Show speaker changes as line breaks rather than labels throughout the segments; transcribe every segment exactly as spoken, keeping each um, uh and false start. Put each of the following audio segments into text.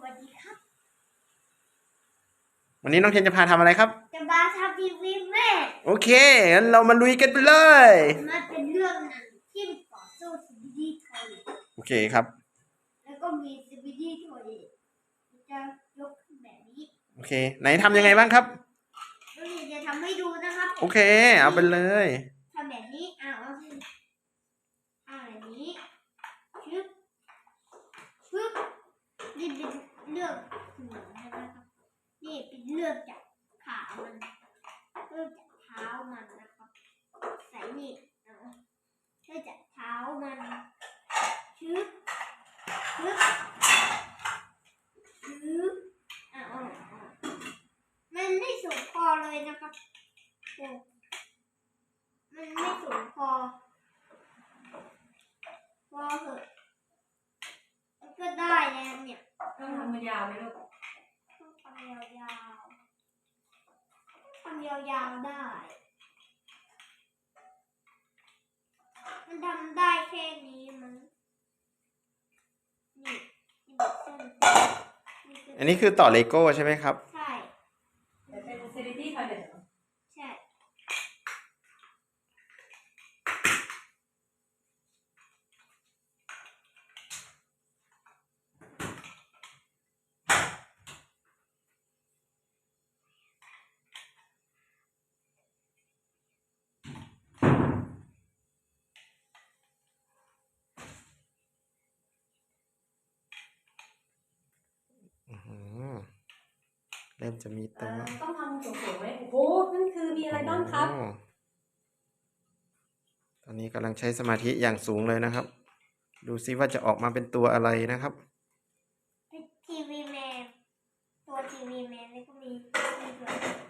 วัสดีครับ
วันนี้น้องเทนจะพาทำอะไรครับ
จะมาทำทีวีแม่
โอเคงั้นเรามาลุยกันไปเลย
มันเป็นเรื่องหนังที่ต่อสู้ซีบีดีทอย
โอเคครับ
แล้วก็มีซีบีดีทอยจะยกขึ้นแบบนี้
โอเคไหนทำยังไงบ้างครับ
แล้วเดี๋ยวจะทำให้ดูนะครับ
โอเคเอาไปเลย
ทำแบบนี้อ่าเอาสิอ่าแบบนี้ชึบชึบนี่เป็นเลือกหัวนะครับนี่เป็นเลือกจากขามันเลือกจากเท้ามันนะครับใส่นี่เอาเลือกจากเท้ามันชึบชึบชึบอ่าเอามันไม่สูงพอเลยนะครับโอ้มันไม่สูงพอพอเหอะมันก็ได้แล้วเนี่ย
ต้องทำมันยาวไหมลูก
ต้องทำยาวๆทำยาวๆได้มันทำได้แค่นี้มั้งนี่นี่แบบเส้นนี่
อันนี้คือต่อเลโก้ใช่ไหมครับ
ใช่
แต่เป็นซีรีส์ทอยเล็ตเหรอ
ใช่
เริ่มจะมีตัว
ต้องทำสูงๆไหมโอ้โหนั่นคือมีอะไรบ้างครับ
ตอนนี้กำลังใช้สมาธิอย่างสูงเลยนะครับดูซิว่าจะออกมาเป็นตัวอะไรนะครับ
ทีวีแมนตัวทีวีแมนนี่ก็มีมีด้วย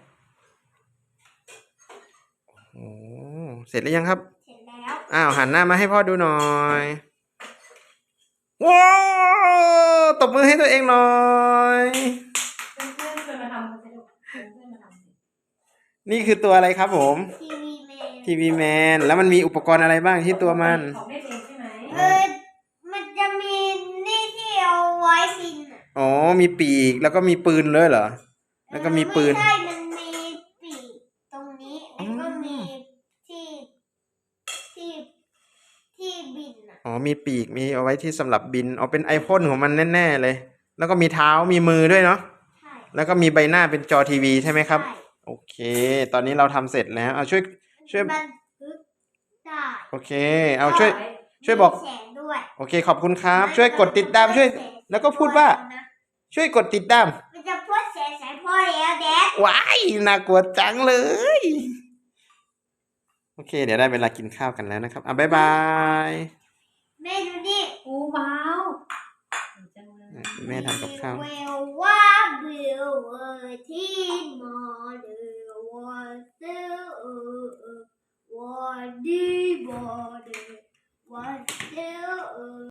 โอ้เสร็จหรือยังครับ
เสร็จแล้ว
อ้าวหันหน้ามาให้พ่อดูหน่อยว้าวตบมือให้ตัวเองหน่อย
เพื่อนๆชวนมาทำกันสิลูกเพื่อนๆมาทำสิ
นี่คือตัวอะไรครับผม
ทีวีแมน
ทีวีแมนแล้วมันมีอุปกรณ์อะไรบ้างที่ตัวมัน
ของเล่นเองใช่ไหม
เออมันจะมีนี่ที่เอาไว้บินอ่ะ
อ๋อมีปีกแล้วก็มีปืนเลยเหรอแล้วก็มีปืน
ไม่ใช่มันมีปีกตรงนี้แล้วก็มีที่ที่ที่บินอ่ะ
อ๋อมีปีกมีเอาไว้ที่สำหรับบินเอาเป็นไอพ่นของมันแน่ๆเลยแล้วก็มีเท้ามีมือด้วยเนาะ
ใช่
แล้วก็มีใบหน้าเป็นจอทีวีใช่ไหมครับ
ใช่
โอเคตอนนี้เราทำเสร็จแล้วเอาช่วยช่วย
บันทึกได้
โอเคเอาช่วยช่วยบอก
มีแสงด้วย
โอเคขอบคุณครับช่วยกดติดตามช่วยแล้วก็พูดว่าช่วยกดติดตาม
มันจะพูดแสงใส่พ่อแล้วแดด
ว้ายน่ากลัวจังเลยโอเคเดี๋ยวได้เวลากินข้าวกันแล้วนะครับอ่ะบ๊ายบาย
แม่ดูดิ
โอ้ว้าว
แม่ทำกับข้าว
เวลว่าเบลเวอร์ที่มอ